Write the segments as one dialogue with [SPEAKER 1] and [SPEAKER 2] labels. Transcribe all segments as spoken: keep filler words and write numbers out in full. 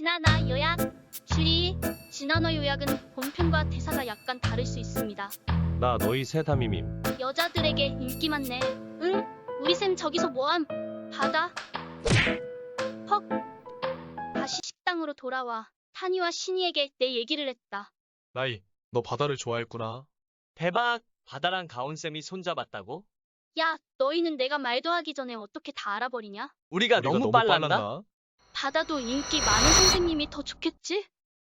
[SPEAKER 1] 진아나 요약. 주의, 진아나 요약은 본편과 대사가 약간 다를 수 있습니다.
[SPEAKER 2] 나 너희 새담이밈.
[SPEAKER 1] 여자들에게 인기 많네. 응? 우리 쌤 저기서 뭐함? 바다? 헉. 다시 식당으로 돌아와 타니와 신이에게 내 얘기를 했다.
[SPEAKER 3] 나이, 너 바다를 좋아했구나.
[SPEAKER 4] 대박! 바다랑 가온쌤이 손잡았다고?
[SPEAKER 1] 야, 너희는 내가 말도 하기 전에 어떻게 다 알아버리냐?
[SPEAKER 4] 우리가,
[SPEAKER 3] 우리가
[SPEAKER 4] 너무, 빨랐나?
[SPEAKER 1] 바다도 인기 많은 선생님이 더 좋겠지?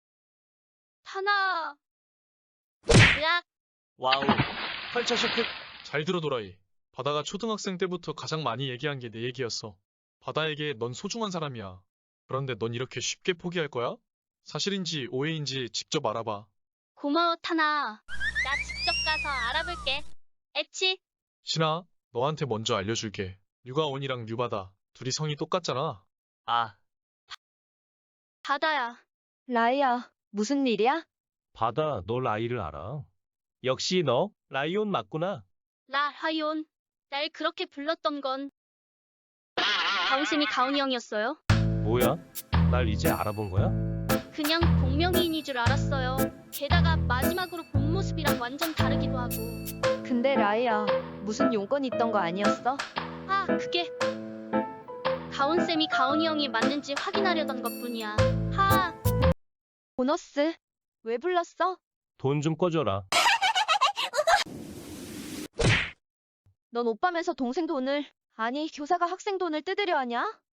[SPEAKER 1] 타나. 으악.
[SPEAKER 4] 와우. 컬처 쇼크.
[SPEAKER 3] 잘 들어 도라이. 바다가 초등학생 때부터 가장 많이 얘기한 게 내 얘기였어. 바다에게 넌 소중한 사람이야. 그런데 넌 이렇게 쉽게 포기할 거야? 사실인지 오해인지 직접 알아봐.
[SPEAKER 1] 고마워 타나. 나 직접 가서 알아볼게. 에치.
[SPEAKER 3] 신아, 너한테 먼저 알려줄게. 류가온이랑 류바다 둘이 성이 똑같잖아.
[SPEAKER 4] 아,
[SPEAKER 1] 바다야.
[SPEAKER 5] 라이야, 무슨 일이야?
[SPEAKER 2] 바다, 너 라이를 알아? 역시 너 라이온 맞구나.
[SPEAKER 1] 라 하이온. 날 그렇게 불렀던 건 가온쌤이 가온이 형이었어요.
[SPEAKER 2] 뭐야? 날 이제 알아본 거야?
[SPEAKER 1] 그냥 동명이인이 줄 알았어요. 게다가 마지막으로 본 모습이랑 완전 다르기도 하고.
[SPEAKER 5] 근데 라이야, 무슨 용건 있던 거 아니었어?
[SPEAKER 1] 아, 그게 가온쌤이 가온이 형이 맞는지 확인하려던 것뿐이야. 하.
[SPEAKER 5] 보너스, 왜 불렀어?
[SPEAKER 2] 돈 좀 꺼줘라.
[SPEAKER 5] 넌 오빠면서 동생 돈을, 아니 교사가 학생 돈을 뜯으려 하냐?